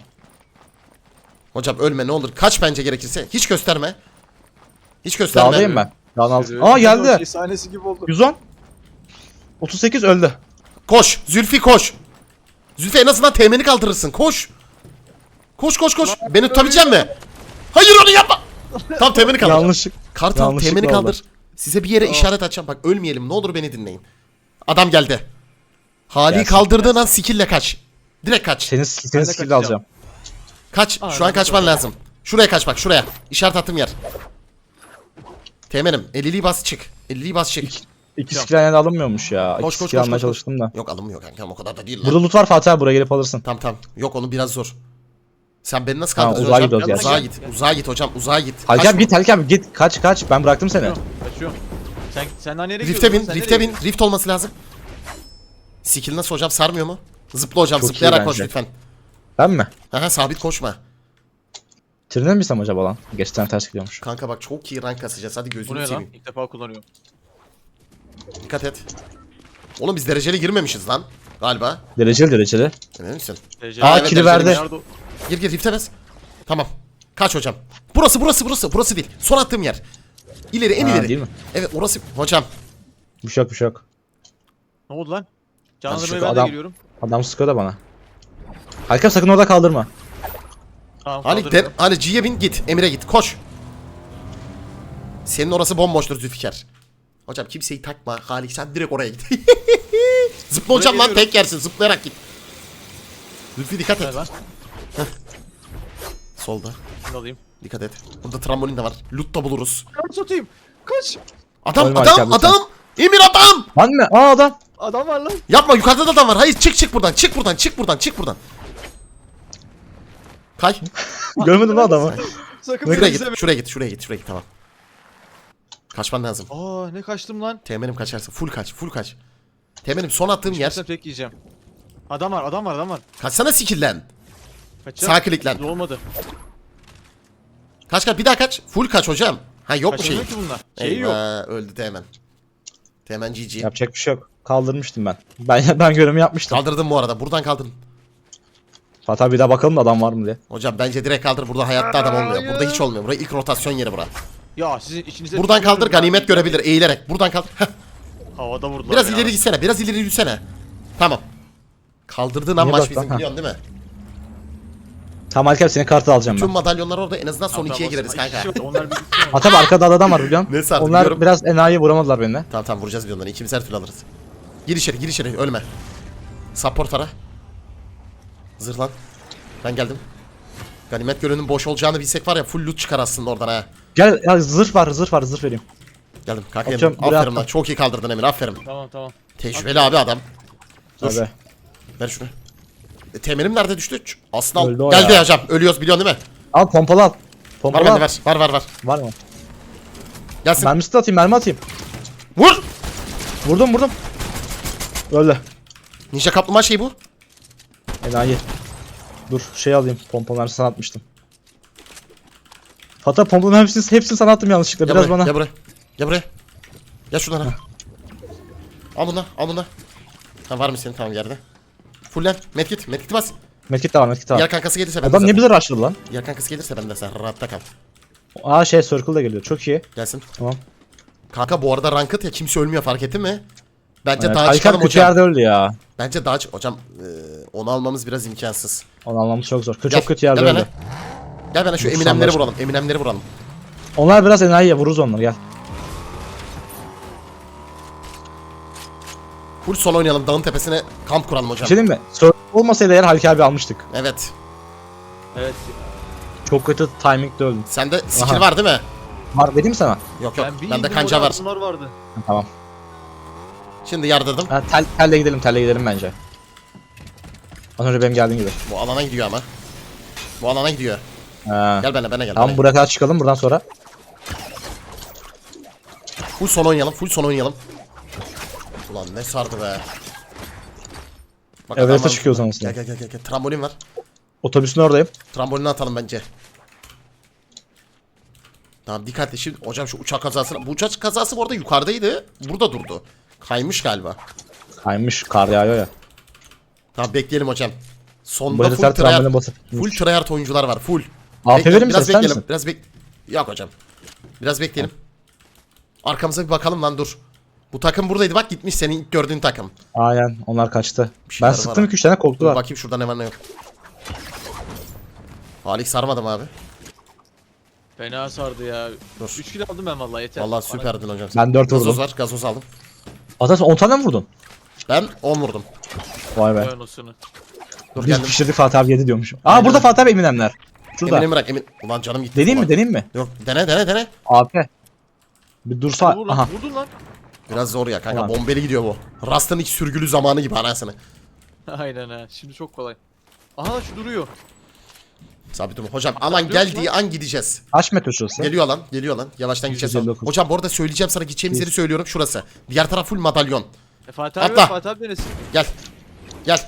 Speaker 1: Hocam ölme ne olur. Kaç bence gerekirse. Hiç gösterme. Hiç gösterme.
Speaker 3: Dağdayım ben. Dağın altı.
Speaker 2: Yürü.
Speaker 3: Aa
Speaker 2: Şey
Speaker 3: geldi.
Speaker 2: sahnesi gibi oldu.
Speaker 3: yüz on. otuz sekiz öldü.
Speaker 1: Koş. Zülfü koş. Zülfü en azından teğmeni kaldırırsın. Koş. Koş koş koş. Beni tutabilecek mi? Hayır onu yapma. Tam teğmeni kaldır.
Speaker 3: Yanlışlık.
Speaker 1: Kartal
Speaker 3: yanlışlıkla
Speaker 1: teğmeni
Speaker 3: oldu.
Speaker 1: kaldır. Size bir yere işaret açacağım. Bak ölmeyelim. Ne olur beni dinleyin. Adam geldi. Hali
Speaker 3: Gelsin,
Speaker 1: kaldırdığın an skill'le kaç. Direkt kaç.
Speaker 3: Senin, senin
Speaker 2: de
Speaker 3: skill'i
Speaker 2: kaçacağım.
Speaker 3: alacağım.
Speaker 1: Kaç.
Speaker 2: Aa,
Speaker 1: Şu an
Speaker 2: ben
Speaker 1: kaçman lazım. Şuraya kaç bak şuraya. İşaret attığım yer. Teğmenim elliliği bas çık. elliliği bas çık.
Speaker 3: İki skill aynı anda alınmıyormuş ya.
Speaker 1: Koş,
Speaker 3: İki
Speaker 1: koş,
Speaker 3: skill
Speaker 1: koş,
Speaker 3: almaya
Speaker 1: koş,
Speaker 3: çalıştım da.
Speaker 1: Yok alınmıyor kankam o kadar da değil lan.
Speaker 3: Burada loot var Fatih abi buraya gelip alırsın.
Speaker 1: Tamam tamam. Yok onu biraz zor. Sen beni nasıl
Speaker 3: Tamam,
Speaker 1: kaldıracaksın
Speaker 3: uzağa
Speaker 1: hocam?
Speaker 3: gidiyoruz
Speaker 1: Uzağa
Speaker 3: gerçekten.
Speaker 1: git. Uzağa git hocam. Uzağa git.
Speaker 3: Halki
Speaker 1: Kaç-
Speaker 3: abi git Halki abi git. Kaç kaç ben bıraktım seni.
Speaker 2: Kaçıyorum. Kaçıyorum. Sen sen daha nereye
Speaker 1: Rift'e bin.
Speaker 2: gidiyorsun? Sen
Speaker 1: Rift'e
Speaker 2: nereye
Speaker 1: bin. Rift olması lazım. Skill nasıl hocam sarmıyor mu? Zıpla hocam
Speaker 3: Çok iyi
Speaker 1: zıplayarak koş
Speaker 3: bence.
Speaker 1: lütfen.
Speaker 3: Ben mi?
Speaker 1: Aha sabit koşma.
Speaker 3: Trine mi bilsem acaba lan? Geçten ters gidiyormuş.
Speaker 1: Kanka bak çok iyi rank kasacağız. Hadi
Speaker 2: Bu
Speaker 1: gözünü
Speaker 2: ne lan?
Speaker 1: seveyim.
Speaker 2: İlk defa kullanıyorum.
Speaker 1: Dikkat et. Oğlum biz dereceli girmemişiz lan. Galiba.
Speaker 3: Dereceli dereceli.
Speaker 1: Emin misin?
Speaker 2: Dereceli-
Speaker 3: Aa,
Speaker 1: evet,
Speaker 3: kili
Speaker 1: dereceli
Speaker 3: verdi.
Speaker 2: Nerede o?
Speaker 1: Gir gir rifte bas. Tamam. Kaç hocam. Burası burası burası. Burası değil. Son attığım yer. İleri en
Speaker 3: Ha,
Speaker 1: ileri.
Speaker 3: değil mi?
Speaker 1: Evet orası. Hocam.
Speaker 3: Bir şey yok bir şey yok.
Speaker 2: Ne oldu lan?
Speaker 1: Hadi
Speaker 2: Canlandırmaya
Speaker 1: şu
Speaker 2: ben de
Speaker 3: adam-
Speaker 2: geliyorum.
Speaker 3: Adam sıkıyor da bana. Halki abi sakın orada kaldırma.
Speaker 2: Tamam
Speaker 1: Ali,
Speaker 2: kaldırıyorum.
Speaker 1: der, Ali G'ye bin git. Emir'e git. Koş. Senin orası bomboştur Zülfikar. Hocam kimseyi takma. Halik sen direkt oraya git. Zıpla hocam lan
Speaker 2: geliyorum.
Speaker 1: tek yersin. Zıplayarak git. Zülfü dikkat et.
Speaker 2: Ver lan.
Speaker 1: Solda.
Speaker 2: Şunu alayım.
Speaker 1: Dikkat et. Burada trambolin de var. Loot da buluruz.
Speaker 2: Kaç satayım? Kaç?
Speaker 1: Adam
Speaker 3: Ölme
Speaker 1: adam
Speaker 3: Halik abi,
Speaker 1: adam. Emir adam.
Speaker 3: Lan ne? Aa adam.
Speaker 2: Adam var lan.
Speaker 1: Yapma yukarıda da adam var. Hayır çık çık buradan. Çık buradan. Çık buradan. Çık buradan. Kay.
Speaker 3: Görmedin mi adamı?
Speaker 2: Sakın
Speaker 1: Şuraya
Speaker 2: beni
Speaker 1: git.
Speaker 2: izleme.
Speaker 1: Şuraya git. Şuraya git. Şuraya git. Tamam. Kaçman lazım.
Speaker 2: Aa ne kaçtım lan.
Speaker 1: Teğmenim kaçarsın. Full kaç. Full kaç. Teğmenim son attığım yer.
Speaker 2: Kaçsam tek yiyeceğim. Adam var adam var adam var.
Speaker 1: Kaçsana skill'len.
Speaker 2: Kaçacağım.
Speaker 1: Sağ kliklen.
Speaker 2: Olmadı.
Speaker 1: Kaç kaç bir daha kaç. Full kaç hocam. Ha yok mu şey?
Speaker 2: Kaçamıyor ki bunlar. Şeyi yok.
Speaker 1: Eyvah öldü Teğmen. Teğmen G G.
Speaker 3: Yapacak bir şey yok. Kaldırmıştım ben. Ben ben görevimi yapmıştım.
Speaker 1: Kaldırdım bu arada. Buradan kaldırın.
Speaker 3: Fatih abi bir daha bakalım da adam var mı diye.
Speaker 1: Hocam bence direkt kaldır. Burada hayatta adam olmuyor. Burada hiç olmuyor. Burası ilk rotasyon yeri bura.
Speaker 2: Ya sizin içinize...
Speaker 1: Buradan kaldır
Speaker 2: tükürüyorum
Speaker 1: ganimet
Speaker 2: ya.
Speaker 1: görebilir eğilerek. Buradan kaldır. Heh.
Speaker 2: Havada vurdular
Speaker 1: Biraz
Speaker 2: ya.
Speaker 1: ileri gitsene. Biraz ileri yürüsene. Tamam. Kaldırdığın an
Speaker 3: Niye
Speaker 1: maç
Speaker 3: bak
Speaker 1: bizim
Speaker 3: lan? Ha.
Speaker 1: biliyorsun değil mi?
Speaker 3: Tamam Halki abi senin kartı alacağım
Speaker 1: Tüm
Speaker 3: ben.
Speaker 1: madalyonlar orada en azından son
Speaker 2: Tamam,
Speaker 1: ikiye
Speaker 2: tamam,
Speaker 1: gireriz
Speaker 2: tamam.
Speaker 1: kanka.
Speaker 2: İki kişi var, Onlar bir gitsin.
Speaker 3: Fatih abi arkada adam var biliyorsun.
Speaker 1: Ne sardı
Speaker 3: Onlar
Speaker 1: biliyorum.
Speaker 3: biraz enayi vuramadılar beni.
Speaker 1: Tamam tamam vuracağız bir onları. İkimiz her türlü alırız. Gir içeri gir içeri ölme. Support ara. Zırlan. Ben geldim. Ganimet gölünün boş olacağını bilsek var ya full loot çıkar aslında oradan ha.
Speaker 3: Gel ya zırh var zırh var zırh vereyim.
Speaker 1: Geldim kanka geldim.
Speaker 3: Atıyorum, buraya
Speaker 1: Aferin
Speaker 3: attım.
Speaker 1: lan. Çok iyi kaldırdın Emir aferin.
Speaker 2: Tamam tamam.
Speaker 1: Tecrübeli abi adam. Dur.
Speaker 3: Tabii.
Speaker 1: Ver şunu. E, temelim nerede düştü? Ç- Aslında
Speaker 3: Öldü o
Speaker 1: geldi
Speaker 3: ya.
Speaker 1: ya hocam. Ölüyoruz biliyorsun değil mi?
Speaker 3: Al pompalı al.
Speaker 1: Var
Speaker 3: Pompalı
Speaker 1: bende
Speaker 3: al.
Speaker 1: ver. Var var var.
Speaker 3: Var mı?
Speaker 1: Gelsin.
Speaker 3: Mermisi de atayım, mermi atayım.
Speaker 1: Vur.
Speaker 3: Vurdum vurdum. Öldü.
Speaker 1: Ninja kaplumbağa şey bu.
Speaker 3: Enayi. Dur şey alayım. Pompalı mermisi sana atmıştım. Hatta pompalı hepsini, hepsini sana attım yanlışlıkla.
Speaker 1: Gel
Speaker 3: Biraz
Speaker 1: buraya,
Speaker 3: bana.
Speaker 1: Gel buraya. Gel buraya. Gel şuradan ha. Al bunu al bunu. Ha var mı senin tamam yerde. Fullen. Medkit. Medkit bas.
Speaker 3: Medkit de var, medkit de var.
Speaker 1: Diğer kankası gelirse ben de
Speaker 3: Adam ne
Speaker 1: sen.
Speaker 3: bilir rushladı lan.
Speaker 1: Diğer kankası gelirse ben de sen rahatta kal.
Speaker 3: Aa şey circle da geliyor. Çok iyi.
Speaker 1: Gelsin.
Speaker 3: Tamam.
Speaker 1: Kanka bu arada ranked ya kimse ölmüyor fark ettin mi? Bence
Speaker 3: Evet,
Speaker 1: daha
Speaker 3: Halika
Speaker 1: çıkalım
Speaker 3: kötü
Speaker 1: hocam.
Speaker 3: yerde öldü ya.
Speaker 1: Bence daha çık. Hocam e, onu almamız biraz imkansız.
Speaker 3: Onu anlamamız çok zor. Kö-
Speaker 1: Gel,
Speaker 3: Çok kötü yerde
Speaker 1: gel
Speaker 3: öldü.
Speaker 1: bana. Gel bana şu
Speaker 3: Dur,
Speaker 1: Eminemleri
Speaker 3: sandaş-
Speaker 1: vuralım. Eminemleri vuralım.
Speaker 3: Onlar biraz enayiye vururuz onları gel.
Speaker 1: Full son oynayalım. Dağın tepesine kamp kuralım
Speaker 3: Bir
Speaker 1: hocam.
Speaker 3: şey diyeyim mi? Circle olmasaydı eğer Halika abi almıştık.
Speaker 1: Evet.
Speaker 2: Evet.
Speaker 3: Çok kötü timing'de öldüm.
Speaker 1: Sende skill
Speaker 3: Aha.
Speaker 1: var değil mi?
Speaker 3: Var dedim sana.
Speaker 1: Yok yok.
Speaker 2: Ben bir
Speaker 1: Bende
Speaker 2: indim,
Speaker 1: kanca
Speaker 2: orada
Speaker 1: var.
Speaker 2: altınlar vardı.
Speaker 3: Ha, tamam.
Speaker 1: Şimdi yardırdım.
Speaker 3: Ha, tel, telle gidelim, telle gidelim bence. Az önce benim geldiğim gibi.
Speaker 1: Bu alana gidiyor ama. Bu alana gidiyor.
Speaker 3: Ha.
Speaker 1: Gel bana bana gel.
Speaker 3: Tamam
Speaker 1: bana.
Speaker 3: buraya kadar çıkalım buradan sonra.
Speaker 1: Full son oynayalım. Full son oynayalım. Ulan ne sardı be. Bak
Speaker 3: Everest'e
Speaker 1: adam var.
Speaker 3: çıkıyoruz anasını.
Speaker 1: Gel gel gel gel. gel. Trambolin var.
Speaker 3: Otobüsün oradayım.
Speaker 1: Trambolini atalım bence. Tamam dikkatli şimdi hocam şu uçak kazasına. Bu uçak kazası bu arada yukarıdaydı. Burada durdu. Kaymış galiba.
Speaker 3: Kaymış, kar yağıyor ya.
Speaker 1: Tamam bekleyelim hocam.
Speaker 3: Bu
Speaker 1: Sonda
Speaker 3: herifler
Speaker 1: full tryhard,
Speaker 3: tramboline basıp.
Speaker 1: full tryhard oyuncular var. Full.
Speaker 3: A P
Speaker 1: Bekle,
Speaker 3: verir misin,
Speaker 1: biraz
Speaker 3: ister
Speaker 1: bekleyelim.
Speaker 3: misin?
Speaker 1: Biraz bek. Yok hocam. Biraz bekleyelim. Arkamıza bir bakalım lan dur. Bu takım buradaydı bak gitmiş senin ilk gördüğün takım.
Speaker 3: Aynen onlar kaçtı.
Speaker 1: Bir şeyler
Speaker 3: Ben
Speaker 1: var
Speaker 3: sıktım
Speaker 1: ha.
Speaker 3: iki üç tane
Speaker 1: Dur
Speaker 3: korktular.
Speaker 1: bakayım şurada ne var ne yok. Halik sarmadım abi.
Speaker 2: Fena sardı ya.
Speaker 1: Dur.
Speaker 2: üç kill aldım ben vallahi yeter.
Speaker 1: Vallahi
Speaker 2: Bana-
Speaker 1: süperdin hocam.
Speaker 3: Ben dört
Speaker 1: Gazoz
Speaker 3: vurdum.
Speaker 1: var gazoz aldım.
Speaker 3: Ata sen on tane mi vurdun?
Speaker 1: Ben on vurdum.
Speaker 3: Vay be.
Speaker 2: Vay anasını.
Speaker 1: Dur
Speaker 3: Biz
Speaker 1: geldim.
Speaker 3: pişirdik Fatih abi yedi diyormuş. Aa
Speaker 1: Aynen.
Speaker 3: burada Fatih abi Eminemler. Şurada.
Speaker 1: Emin'i bırak Emin. Ulan canım gitti.
Speaker 3: Deneyim mi
Speaker 1: ulan.
Speaker 3: deneyim mi?
Speaker 1: Yok dene dene dene.
Speaker 3: A P. Bir dursa.
Speaker 2: Vur lan,
Speaker 3: Aha.
Speaker 2: vurdun lan.
Speaker 1: Biraz zor ya kanka
Speaker 3: Ulan.
Speaker 1: bombeli gidiyor bu. Rast'ın ilk sürgülü zamanı gibi anasını.
Speaker 2: Aynen ha. Şimdi çok kolay. Aha şu duruyor.
Speaker 1: Sabit durma. Hocam alan
Speaker 2: Yok
Speaker 1: geldiği
Speaker 2: lan.
Speaker 1: an gideceğiz.
Speaker 3: Kaç metre şurası?
Speaker 1: Geliyor lan geliyor lan. Yavaştan gideceğiz.
Speaker 3: yüz elli dokuz.
Speaker 1: Hocam bu arada söyleyeceğim sana gideceğimiz yeri söylüyorum şurası. Diğer taraf full madalyon.
Speaker 2: E Fatih abi
Speaker 1: Atla.
Speaker 2: var, Fatih abi neresi?
Speaker 1: Gel. Gel.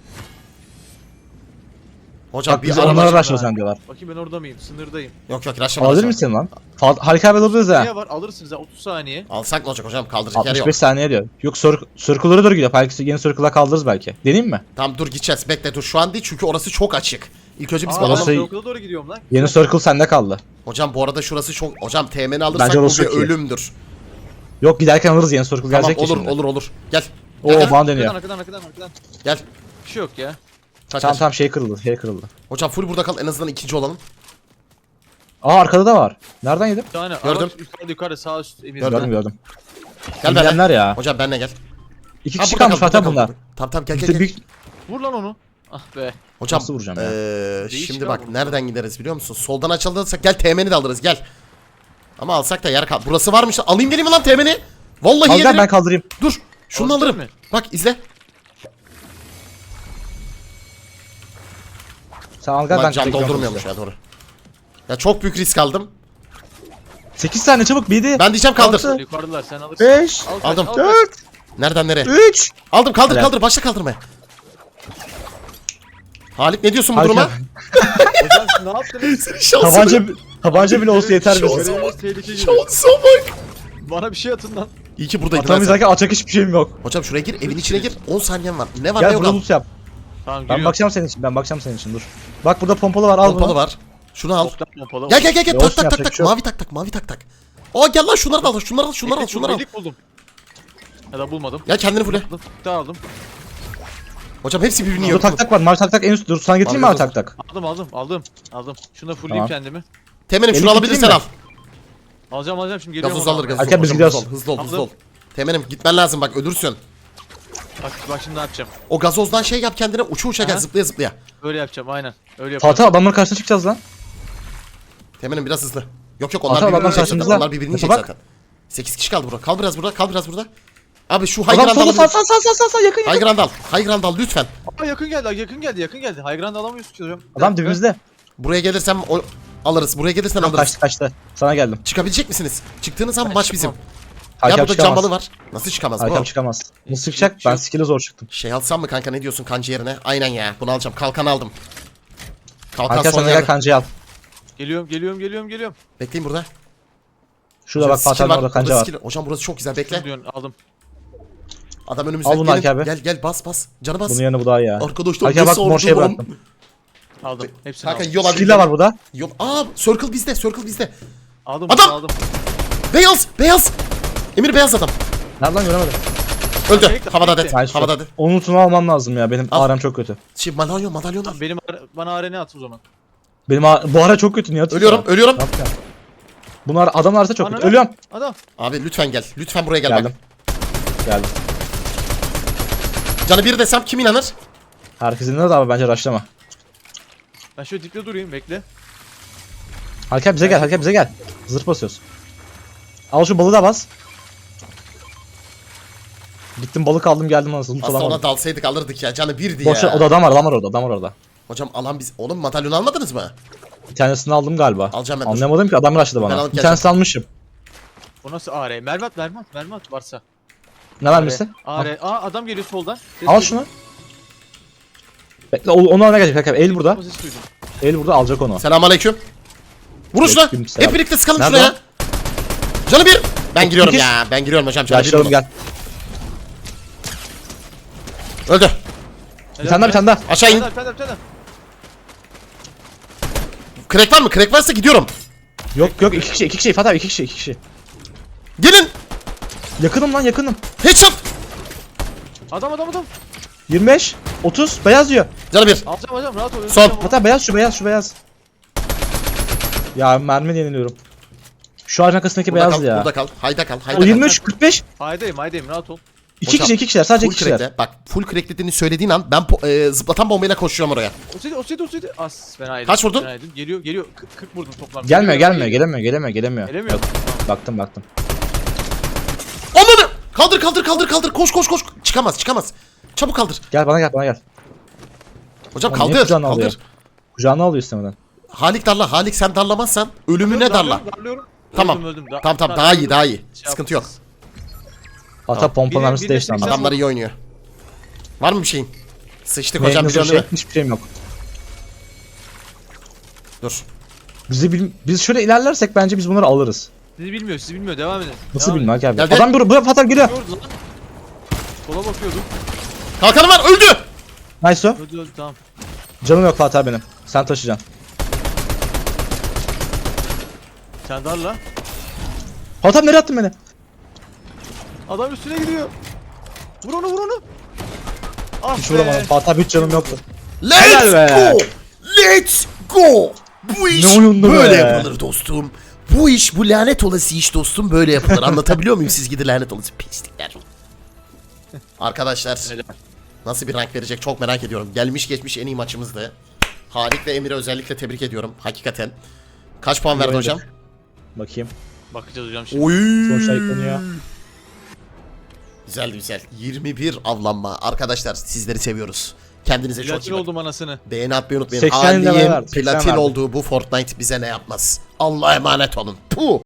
Speaker 1: Hocam
Speaker 3: Bak
Speaker 1: bir
Speaker 3: bize
Speaker 1: araba.
Speaker 3: onlara
Speaker 2: var.
Speaker 3: rush sen diyorlar.
Speaker 2: Bakayım ben orada mıyım? Sınırdayım.
Speaker 1: Yok yok raşlama.
Speaker 3: Alabilir
Speaker 1: raşlama.
Speaker 3: misin lan? Fa- Harika abi alırız ha.
Speaker 2: Niye var? Alırsınız ha otuz saniye.
Speaker 1: Alsak ne olacak hocam kaldıracak yer
Speaker 3: altmış
Speaker 1: yok.
Speaker 3: beş saniye diyor. Yok cir- circle'lara doğru gidiyor. Belki yeni circle'a kaldırırız belki. Deneyim mi?
Speaker 1: Tamam dur gideceğiz bekle dur şu an değil çünkü orası çok açık. İlk önce biz
Speaker 2: Aa,
Speaker 1: bakalım.
Speaker 3: orası-
Speaker 2: ben okula doğru gidiyorum lan.
Speaker 3: Yeni circle sende kaldı.
Speaker 1: Hocam bu arada şurası çok. Hocam teğmeni alırsak
Speaker 3: Bence
Speaker 1: bu
Speaker 3: orası
Speaker 1: bir
Speaker 3: çok iyi.
Speaker 1: ölümdür.
Speaker 3: Yok giderken alırız yeni circle
Speaker 1: Tamam
Speaker 3: gelecek ya
Speaker 1: olur
Speaker 3: şimdi.
Speaker 1: olur olur. Gel.
Speaker 3: Oo
Speaker 1: Gel, gel.
Speaker 3: bana deniyor.
Speaker 2: Arkadan arkadan arkadan arkadan.
Speaker 1: Gel.
Speaker 2: Bir şey yok ya.
Speaker 1: Kaç
Speaker 3: Tamam
Speaker 1: kaç.
Speaker 3: tamam şey kırıldı şey kırıldı.
Speaker 1: Hocam full burada kal en azından ikinci olalım.
Speaker 3: Aa arkada da var. Nereden yedim?
Speaker 2: Bir tane
Speaker 1: Gördüm.
Speaker 2: araç yukarıda yukarıda sağ üst emir.
Speaker 1: Gördüm.
Speaker 3: Gördüm gördüm.
Speaker 1: Gel benimle.
Speaker 3: Eminemler ya.
Speaker 1: Hocam benimle gel.
Speaker 3: İki
Speaker 1: Ha,
Speaker 3: kişi
Speaker 1: burada
Speaker 3: kalmış
Speaker 1: kal,
Speaker 3: Fatih
Speaker 1: burada
Speaker 3: abi
Speaker 1: kal.
Speaker 3: bunlar.
Speaker 1: Tamam tamam gel
Speaker 3: Biz
Speaker 1: gel
Speaker 3: de
Speaker 1: gel.
Speaker 3: büyük...
Speaker 2: Vur lan onu. Ah be.
Speaker 1: Hocam
Speaker 3: Nasıl vuracağım ya?
Speaker 1: eee,
Speaker 2: Değişik
Speaker 1: şimdi
Speaker 2: ya
Speaker 1: bak
Speaker 2: bu.
Speaker 1: nereden gideriz biliyor musun? Soldan açıldıysak gel teğmeni de alırız gel. Ama alsak da yer kal. Burası varmış. Alayım geleyim mi lan teğmeni? Vallahi
Speaker 3: Al gel
Speaker 1: yedim.
Speaker 3: ben kaldırayım.
Speaker 1: Dur. Şunu
Speaker 2: Alacak
Speaker 1: alırım.
Speaker 2: mı?
Speaker 1: Bak izle.
Speaker 3: Sen al gel
Speaker 1: Lan
Speaker 3: ben
Speaker 1: can
Speaker 3: bekliyorum
Speaker 1: doldurmuyormuş
Speaker 3: sizi.
Speaker 1: ya doğru. Ya çok büyük risk aldım.
Speaker 3: sekiz saniye çabuk bir
Speaker 1: Ben diyeceğim kaldır.
Speaker 3: Altı.
Speaker 2: Yukarıdalar sen alırsın.
Speaker 3: beş
Speaker 2: Al kaç,
Speaker 1: Aldım.
Speaker 2: al kaç.
Speaker 3: dört
Speaker 1: Nereden nereye?
Speaker 3: üç
Speaker 1: Aldım kaldır
Speaker 3: Helal.
Speaker 1: kaldır başla kaldırmaya. Halik ne diyorsun bu
Speaker 3: Harika.
Speaker 1: duruma?
Speaker 2: Hocam siz ne yaptınız?
Speaker 1: Şansına.
Speaker 3: Tabanca tabanca bile olsa yeter bize.
Speaker 2: Görevimiz tehlike gibi.
Speaker 1: Şansa bak.
Speaker 2: Bana bir şey atın lan.
Speaker 1: İyi ki buradaydın.
Speaker 3: Atamayız
Speaker 1: ben sen.
Speaker 3: derken atacak hiçbir şeyim yok.
Speaker 1: Hocam şuraya gir evin içine gir. on saniyen var. Ne var ne
Speaker 3: Gel
Speaker 1: yok
Speaker 3: burada
Speaker 1: al.
Speaker 3: loot yap.
Speaker 2: Tamam
Speaker 3: Ben
Speaker 2: giriyorum.
Speaker 3: bakacağım senin için. Ben bakacağım senin için dur. Bak burada pompalı var al
Speaker 1: Pompalı
Speaker 3: bunu.
Speaker 1: var. Şunu al.
Speaker 2: Toplam pompalı.
Speaker 1: Gel gel gel gel
Speaker 3: Ya
Speaker 1: tak
Speaker 3: olsun,
Speaker 1: tak tak
Speaker 3: yapacak
Speaker 1: tak.
Speaker 3: bir şey yok.
Speaker 1: Mavi tak tak mavi tak tak. Aa gel lan şunları da al. Şunları al şunları al şunları al.
Speaker 2: Delik buldum. Ya da bulmadım.
Speaker 1: Gel kendini fule.
Speaker 2: Aldım. Daha aldım.
Speaker 1: Hocam hepsi birbirini
Speaker 3: Burada
Speaker 1: yok.
Speaker 3: tak tak var. Mavi tak tak en üst. Dur sana getireyim mi
Speaker 1: Mavi
Speaker 3: mavi tak tak?
Speaker 2: Aldım aldım aldım. Aldım. Şunu da fullleyeyim
Speaker 3: Tamam.
Speaker 2: kendimi.
Speaker 1: Temenim şunu
Speaker 3: Elini
Speaker 1: alabilirsen al.
Speaker 3: getireyim
Speaker 2: Alacağım alacağım şimdi geliyorum.
Speaker 1: Gazoz
Speaker 2: oradan.
Speaker 1: alır gazoz.
Speaker 3: Erken biz
Speaker 1: Hocam,
Speaker 3: gidiyoruz.
Speaker 1: Hızlı ol hızlı ol hızlı ol.
Speaker 2: Aldım.
Speaker 1: Temenim gitmen lazım bak ölürsün.
Speaker 2: Bak, bak şimdi ne yapacağım.
Speaker 1: O gazozdan şey yap kendine uça uça gel
Speaker 2: Aha.
Speaker 1: zıplaya zıplaya.
Speaker 2: Öyle yapacağım aynen. Öyle yapacağım.
Speaker 3: Fatih adamların karşısına çıkacağız lan.
Speaker 1: Temenim biraz hızlı. Yok yok onlar
Speaker 3: Ata,
Speaker 1: birbirini
Speaker 3: adamlar
Speaker 1: yiyecek zaten.
Speaker 3: karşımızda.
Speaker 1: Onlar birbirini
Speaker 3: Mete
Speaker 1: yiyecek
Speaker 3: bak.
Speaker 1: zaten. sekiz kişi kaldı burada. Kal biraz burada. Kal biraz burada. Abi şu high
Speaker 3: Adam
Speaker 1: ground
Speaker 3: solda sağ
Speaker 1: al.
Speaker 3: sağ sağ sağ sağ sağ yakın
Speaker 1: High
Speaker 3: yakın.
Speaker 1: ground al. High ground al lütfen.
Speaker 2: Aa yakın geldi yakın geldi yakın geldi. High ground alamıyoruz ki hocam.
Speaker 3: Adam dibimizde.
Speaker 1: Buraya gelirsem o... alırız. Buraya gelirsen
Speaker 3: Tamam,
Speaker 1: alırız.
Speaker 3: kaçtı kaçtı. Sana geldim.
Speaker 1: Çıkabilecek misiniz? Çıktığınız zaman
Speaker 2: Ben
Speaker 1: maç bizim.
Speaker 2: çıkmam.
Speaker 1: Ya
Speaker 3: Hakem
Speaker 1: burada
Speaker 3: çıkamaz.
Speaker 1: cambalı var. Nasıl çıkamaz
Speaker 3: Hakem
Speaker 1: bro?
Speaker 3: çıkamaz. Nasıl çıkacak? Ben skill'e zor çıktım.
Speaker 1: Şey alsam mı kanka, ne diyorsun kancı yerine? Aynen ya, bunu alacağım. Kalkan aldım. Kalkan
Speaker 3: Hakem
Speaker 1: son
Speaker 3: sana gel
Speaker 1: yerde.
Speaker 3: kancayı al.
Speaker 2: Geliyorum geliyorum geliyorum geliyorum.
Speaker 1: Bekleyin burada.
Speaker 3: Şurada bak
Speaker 1: Skill
Speaker 3: Fatih'in
Speaker 1: var,
Speaker 3: orada kanca
Speaker 1: burada
Speaker 3: var.
Speaker 1: skill- Hocam burası çok güzel, bekle.
Speaker 2: Ne diyorsun aldım.
Speaker 1: Adam önümüzde.
Speaker 3: Al bunu
Speaker 1: Gelin,
Speaker 3: Hakem abi.
Speaker 1: Gel gel bas bas. Canı bas.
Speaker 3: Bunun yerine bu daha iyi ya.
Speaker 1: Arkadaşlar
Speaker 3: Hakem bak
Speaker 1: nasıl
Speaker 3: mor şey
Speaker 1: oldu lan?
Speaker 3: bıraktım.
Speaker 2: Aldım. Hepsini
Speaker 1: Kanka
Speaker 2: aldım.
Speaker 1: yol
Speaker 3: Skill de var burada.
Speaker 1: Yol. Aa circle bizde, circle bizde.
Speaker 2: Aldım
Speaker 1: Adam!
Speaker 2: aldım.
Speaker 1: Beyaz, beyaz. Emir beyaz adam.
Speaker 3: Nereden lan göremedim.
Speaker 1: Öldü.
Speaker 2: Bekle,
Speaker 1: Havada
Speaker 2: bekle.
Speaker 1: dead.
Speaker 3: Nice.
Speaker 1: Havada dead.
Speaker 3: Onun lootunu almam lazım ya. Benim
Speaker 1: Al.
Speaker 3: aram çok kötü.
Speaker 1: Şey madalyon, madalyon al.
Speaker 2: Tamam, benim ara- bana arena at o zaman.
Speaker 3: Benim a- bu ara çok kötü. Niye atıyorsun?
Speaker 1: Ölüyorum, ölüyorum.
Speaker 3: Ne yapacağım? Bunlar adam arası çok
Speaker 2: Bana
Speaker 3: kötü.
Speaker 2: ne?
Speaker 3: Ölüyorum.
Speaker 2: Adam.
Speaker 1: Abi lütfen gel. Lütfen buraya gel
Speaker 3: Geldim.
Speaker 1: bak.
Speaker 3: Geldim.
Speaker 1: Canı bir desem kim inanır?
Speaker 3: Herkesin ne de abi bence rushlama.
Speaker 2: Ben şöyle dipte durayım bekle.
Speaker 3: Hakem bize gel. Hakem bize gel. Zırh basıyoruz. Al şu balığı da bas. Gittim balık aldım geldim anasını. Loot
Speaker 1: Aslında ona
Speaker 3: alamadım.
Speaker 1: dalsaydık alırdık ya. Canı birdi
Speaker 3: Boş ver,
Speaker 1: ya.
Speaker 3: o da adam var adam var orada adam var orada.
Speaker 1: Hocam alan biz. Oğlum madalyon almadınız mı?
Speaker 3: Bir tanesini aldım galiba.
Speaker 1: Alacağım ben, dur.
Speaker 3: Anlamadım ki adam rushladı
Speaker 1: Ben
Speaker 3: bana.
Speaker 1: alıp
Speaker 3: Bir
Speaker 1: geleceğim.
Speaker 3: tanesini almışım.
Speaker 2: O nasıl A R? Mermi at mermi at mermi at varsa.
Speaker 3: Ne vermişsin?
Speaker 2: A R. Aa adam geliyor soldan. Ses
Speaker 3: Al
Speaker 2: duydum.
Speaker 3: şunu. Bekle o- onu almaya gelecek. Hakem el burada.
Speaker 2: O sesi duydum.
Speaker 3: El burada alacak onu.
Speaker 1: Selamünaleyküm. Vurun şuna.
Speaker 3: Aleyküm selam.
Speaker 1: Hep birlikte sıkalım
Speaker 3: Nerede
Speaker 1: şuna ya. Canı bir. Ben giriyorum
Speaker 3: İkiz.
Speaker 1: ya. Ben giriyorum hocam. Canı bir.
Speaker 3: Yaşlayalım
Speaker 1: vurdu.
Speaker 3: gel.
Speaker 1: Öldü.
Speaker 3: Bir tane daha bir tane daha.
Speaker 1: Aşağı in.
Speaker 2: Bir tane daha, bir tane daha.
Speaker 1: Crack var mı? Crack varsa gidiyorum.
Speaker 3: Yok yok iki kişi iki kişi Fatih abi iki kişi iki kişi.
Speaker 1: Gelin.
Speaker 3: Yakınım lan yakınım.
Speaker 1: Headshot.
Speaker 2: Adam adam adam.
Speaker 3: yirmi beş otuz beyaz diyor.
Speaker 1: Canı bir.
Speaker 2: Alacağım alacağım rahat ol.
Speaker 1: Son.
Speaker 2: Alacağım,
Speaker 3: Fatih abi beyaz şu beyaz şu beyaz. Ya mermi yeniliyorum. Şu ağacın arkasındaki
Speaker 1: Burada
Speaker 3: beyazdı
Speaker 1: kal.
Speaker 3: ya.
Speaker 1: Burada kal. Hayda kal. Hayda
Speaker 3: O yirmi üç
Speaker 1: kal.
Speaker 3: kırk beş.
Speaker 2: Haydayım haydayım rahat ol.
Speaker 3: iki
Speaker 1: Hocam,
Speaker 3: kişi iki kişiler sadece
Speaker 1: Full
Speaker 3: iki kişiler.
Speaker 1: crack'le. Bak full crack dediğini söylediğin an ben po- e, zıplatan bombayla koşuyorum oraya.
Speaker 2: O seydi o seydi o seydi. As fena yedim.
Speaker 1: Kaç vurdun?
Speaker 2: Fena yedim. Geliyor geliyor. kırk kırk vurdum toplam.
Speaker 3: Gelmiyor
Speaker 2: Geliyor,
Speaker 3: gelmiyor
Speaker 2: geliyor.
Speaker 3: gelemiyor gelemiyor gelemiyor.
Speaker 2: Gelemiyor.
Speaker 3: Bak- Baktım baktım.
Speaker 1: Ananı. Kaldır kaldır kaldır kaldır. Koş koş koş. Çıkamaz çıkamaz. Çabuk kaldır.
Speaker 3: Gel bana gel bana gel.
Speaker 1: Hocam
Speaker 3: Oğlum, niye
Speaker 1: kaldır.
Speaker 3: kucağına
Speaker 1: Kaldır.
Speaker 3: alıyor? Kucağına alıyor istemeden.
Speaker 1: Halik darla. Halik sen darlamazsan ölümüne darla.
Speaker 2: Darlıyorum, darlıyorum.
Speaker 1: Tamam.
Speaker 2: Öldüm, öldüm. Da-
Speaker 1: Tamam tamam
Speaker 2: da-
Speaker 1: daha iyi daha iyi.
Speaker 2: Şey
Speaker 1: Sıkıntı yok.
Speaker 2: yapmaz.
Speaker 3: Hatta pompa
Speaker 2: Biri-
Speaker 3: mermisi
Speaker 2: biri
Speaker 3: değişti
Speaker 2: seksen
Speaker 3: anladım.
Speaker 1: Adamlar iyi oynuyor. Var mı bir şeyin? Sıçtık
Speaker 3: Hocam
Speaker 1: hocam
Speaker 3: bir
Speaker 1: biliyorsun
Speaker 3: şey,
Speaker 1: değil mi?
Speaker 3: hiçbir şeyim yok.
Speaker 1: Dur.
Speaker 3: Bizi bil- biz şöyle ilerlersek bence biz bunları alırız.
Speaker 2: Sizi bilmiyor sizi bilmiyor devam edin.
Speaker 3: Nasıl
Speaker 2: Devam
Speaker 3: bilmem abi.
Speaker 1: Geldi.
Speaker 3: Adam buraya buraya Fatih abi geliyor.
Speaker 2: edin. Gördü lan. Sola bakıyordum.
Speaker 1: Kalkanı var öldü.
Speaker 3: Nice o.
Speaker 2: Öldü öldü tamam.
Speaker 3: Canım yok Fatih abi benim. Sen taşıyacaksın.
Speaker 2: Sen darla.
Speaker 3: Fatih abi nereye attın beni?
Speaker 2: Adam üstüne gidiyor. Vur onu vur onu. Ah
Speaker 3: Hiç
Speaker 2: be.
Speaker 3: vuramadım. Fatih abi hiç canım yoktu.
Speaker 1: Let's
Speaker 3: Helal be.
Speaker 1: go. Let's go. Bu iş
Speaker 3: Ne oyundu
Speaker 1: böyle
Speaker 3: be.
Speaker 1: yapılır dostum. Bu iş bu lanet olası iş dostum böyle yapılır. Anlatabiliyor muyum siz gidi lanet olası pislikler. Arkadaşlar
Speaker 2: Helal.
Speaker 1: nasıl bir rank verecek çok merak ediyorum. Gelmiş geçmiş en iyi maçımızdı. Halik ve Emir'i özellikle tebrik ediyorum hakikaten. Kaç puan verdi
Speaker 3: oynadık.
Speaker 1: hocam?
Speaker 3: Bakayım.
Speaker 2: Bakacağız hocam şimdi.
Speaker 1: Oy.
Speaker 3: Sonuçta yükleniyor.
Speaker 1: Güzel güzel. yirmi bir avlanma. Arkadaşlar sizleri seviyoruz. Kendinize çok iyi
Speaker 2: Platin
Speaker 1: bakın.
Speaker 2: oldum anasını.
Speaker 1: Beğeni atmayı unutmayın.
Speaker 3: seksen level
Speaker 1: Halik'in
Speaker 3: verdi, seksen
Speaker 1: platin
Speaker 3: verdi.
Speaker 1: olduğu bu Fortnite bize ne yapmaz. Allah'a emanet olun. Puh.